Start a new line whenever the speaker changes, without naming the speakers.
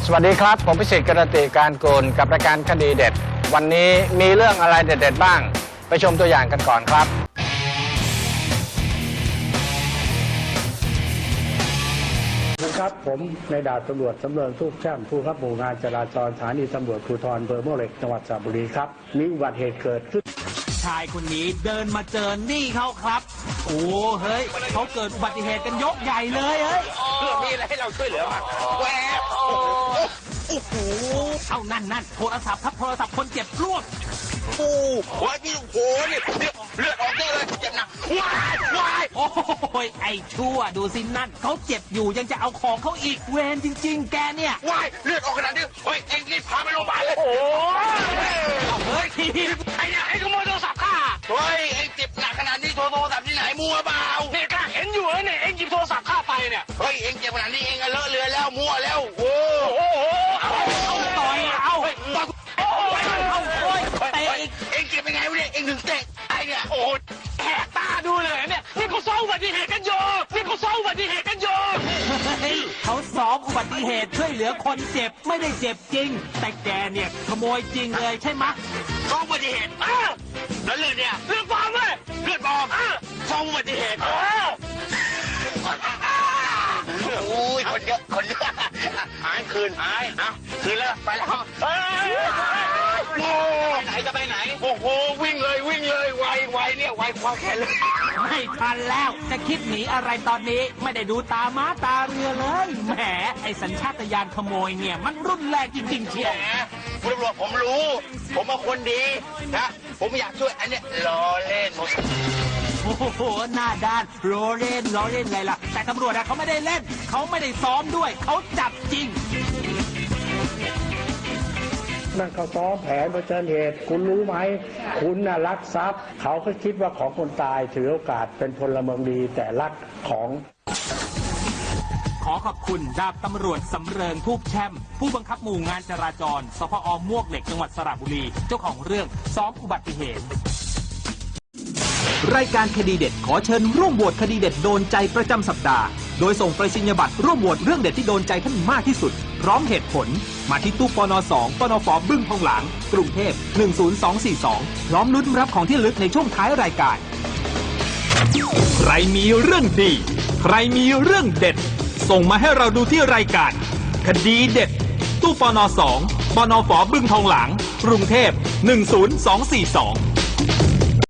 วัสดีครับผมพิสิทธิ์กรติการกูลกับรายการคดีเด็ดวันนี้มีเรื่องอะไรเด็ดๆบ้างไปชมตัวอย่างกันก่อนครับ
ครับผมในดาบตำรวจสำเริงทุกแช่มผู้ขับหมู่งานจราจรสถานีตำรวจภูธรอำเภอมวกเหล็กจังหวัดสระบุรีครับมีอุบัติเหตุเกิดขึ้น
ชายคนนี้เดินมาเจอนี่เขาครับโอ้เฮ้ยเขาเกิดอุบัติเหตุกันยกใหญ่เลยเฮ้ย
มีอะไรให้เราช่วยเหลือมั้งแหวกโอ้โห
เอานั่นโทรศัพท์ครับโทรศัพท์คนเจ็บรวบ
โอ้โหนี่โอ้โหนี่เลือดออกเยอะเลยเจ็บหนักว้าย
โอ้ยไอ้ชั่วดูสินั่นเขาเจ็บอยู่ยังจะเอาของเขาอีกเวรจริงๆแกเนี่ย
ว้ายเลือดออกขนาดนี้เฮ้ยเอ็งรีบพาไปโรงพยาบาลเลยโอ้
เฮ้ย
ไอ้เนี่ยไอ้ขโมยโทรศัพท์ข้าเฮ้ยเอ็งเจ็บหนักขนาดนี้โทรศัพท์ที่ไหนมัวเปล่าเนี่ยข้าเห็นอยู่เนี่ยเอ็งหยิบโทรศัพท์ข้าไปเนี่ยเฮ้ยเอ็งเจ็บขนาดนี้เอ็งเลอะเลือนแล้วมัวแล้วโอ้โห
ต่อยเอาเตะอีก
เอ็งเจ็บยังไงวะเนี่ยเอ็งถึงเตะไอ้เนี่ยโอ้แหกตาดูเลยเนี่ยนี่เขาซ้อมอุบัติเหตุกันอยู่
เขาซ้อมอุบัติเหตุช่วยเหลือคนเจ็บไม่ได้เจ็บจริงแต่แกเนี่ยขโมยจริงเลยใช่ไหม
ซ้อมอุบัติเหตุแล้วเลือดเนี่ยเลือดปลอมเลยเลือดปลอมซ้อมอุบัติเหตุโอ้ยคนเยอะหายคืนคืนแล้วไปแล้วไหนจะไปไหนโอ้โหวิ่งเลยไวเนี่ยไวความแค่เลย
ไม่ทันแล้วจะคิดหนีอะไรตอนนี้ไม่ได้ดูตาม้าตาเรือเลยแหมไอ้สัญชาตญาณขโมยเนี่ยมันรุนแรงจริงๆเชียว
คุณตำรวจผมรู้ผมเป็นคนดีนะผมอยากช่วยอันเนี้ยล้อเล่น
โอ้โหหน้าด้านล้อเล่นอะไรล่ะแต่ตำรวจเขาไม่ได้เล่นเขาไม่ได้ซ้อมด้วยเขาจับจริง
นั่นเขาซ้อมแผนเผชิญเหตุคุณรู้ไหมคุณน่ะลักทรัพย์เขาก็คิดว่าของคนตายถือโอกาสเป็นพลเมืองดีแต่ลักของ
ขอขอบคุณดาบตำรวจสำเริงทูบแช่มผู้บังคับหมู่งานจราจรสพอมวกเหล็กจังหวัดสระบุรีเจ้าของเรื่องซ้อมอุบัติเหตุ
รายการคดีเด็ดขอเชิญร่วมโหวตคดีเด็ดโดนใจประจำสัปดาห์โดยส่งไปรษณียบัตรร่วมโหวตเรื่องเด็ดที่โดนใจท่านมากที่สุดพร้อมเหตุผลมาที่ตู้ปน2ปนฟบึ้งทองหลางกรุงเทพ10242พร้อมลุ้นรับของที่ระลึกในช่วงท้ายรายการใครมีเรื่องดีใครมีเรื่องเด็ดส่งมาให้เราดูที่รายการคดีเด็ดตู้ปน2ปนฟบึ้งทองหลางกรุงเทพ10242